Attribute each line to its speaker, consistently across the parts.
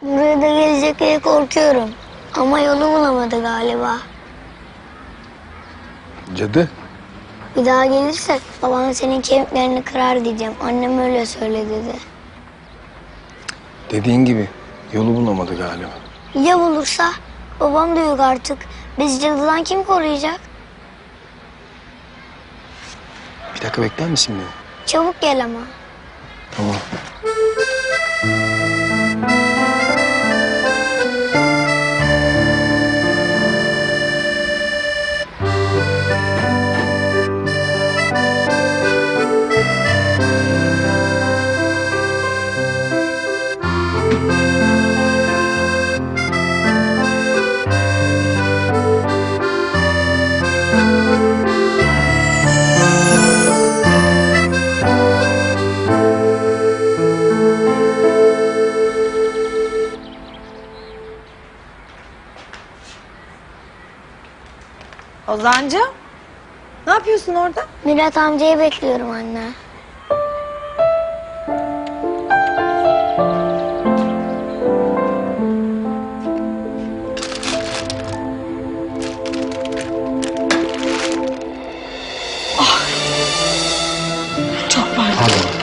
Speaker 1: Buraya da gelecek diye korkuyorum. Ama yolu bulamadı galiba.
Speaker 2: Cadı.
Speaker 1: Bir daha gelirse baban senin kemiklerini kırar diyeceğim. Annem öyle söyledi dedi.
Speaker 2: Dediğin gibi yolu bulamadı galiba.
Speaker 1: Ya bulursa? Babam da yok artık. Bizi cadıdan kim koruyacak?
Speaker 2: Bir dakika bekler misin beni?
Speaker 1: Çabuk gel ama.
Speaker 2: Tamam.
Speaker 3: Ozan'cığım, ne yapıyorsun orada?
Speaker 1: Mirat amcayı bekliyorum anne.
Speaker 3: Çok pardon.
Speaker 2: Pardon.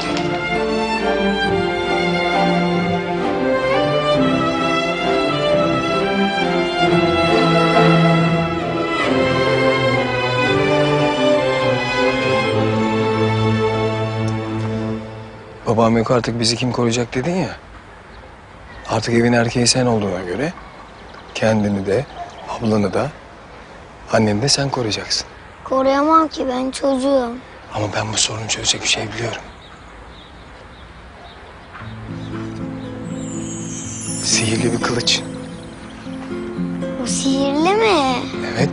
Speaker 2: Babam yok artık bizi kim koruyacak dedin ya. Artık evin erkeği sen olduğuna göre kendini de, ablanı da, anneni de sen koruyacaksın.
Speaker 1: Koruyamam ki, ben çocuğum.
Speaker 2: Ama ben bu sorunu çözecek bir şey biliyorum. Sihirli bir kılıç.
Speaker 1: Bu sihirli mi?
Speaker 2: Evet.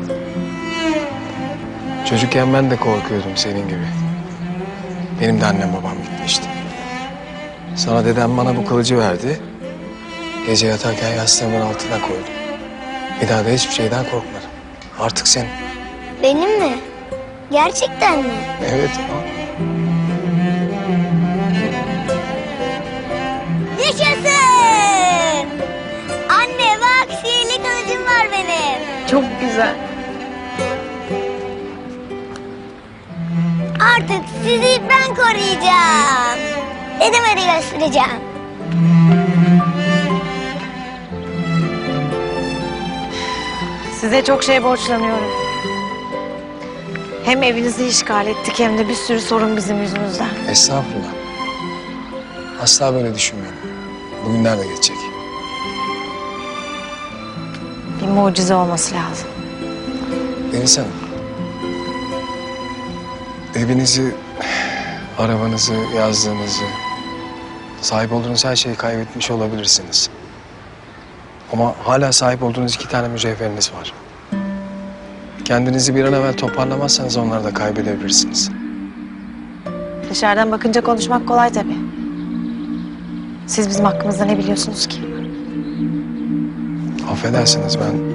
Speaker 2: Çocukken ben de korkuyordum senin gibi. Benim de annem babam gitmişti. Sonra dedem bana bu kılıcı verdi. Gece yatarken yastığımın altına koydum. Bir daha da hiçbir şeyden korkmadım. Artık senin.
Speaker 1: Benim mi? Gerçekten mi?
Speaker 2: Evet.
Speaker 1: Yaşasın! Anne bak, sihirli kılıcım var benim.
Speaker 3: Çok güzel.
Speaker 1: Artık sizi ben koruyacağım. Dedeme de göstereceğim.
Speaker 3: Size çok şey borçlanıyorum. Hem evinizi işgal ettik hem de bir sürü sorun bizim yüzümüzden.
Speaker 2: Estağfurullah. Asla böyle düşünmeyin. Bugünler de geçecek.
Speaker 3: Bir mucize olması lazım.
Speaker 2: Deniz Hanım. Evinizi, arabanızı, yazdığınızı, sahip olduğunuz her şeyi kaybetmiş olabilirsiniz. Ama hala sahip olduğunuz 2 tane mücevheriniz var. Kendinizi bir an evvel toparlamazsanız onları da kaybedebilirsiniz.
Speaker 3: Dışarıdan bakınca konuşmak kolay tabii. Siz bizim hakkımızda ne biliyorsunuz ki?
Speaker 2: Affedersiniz, ben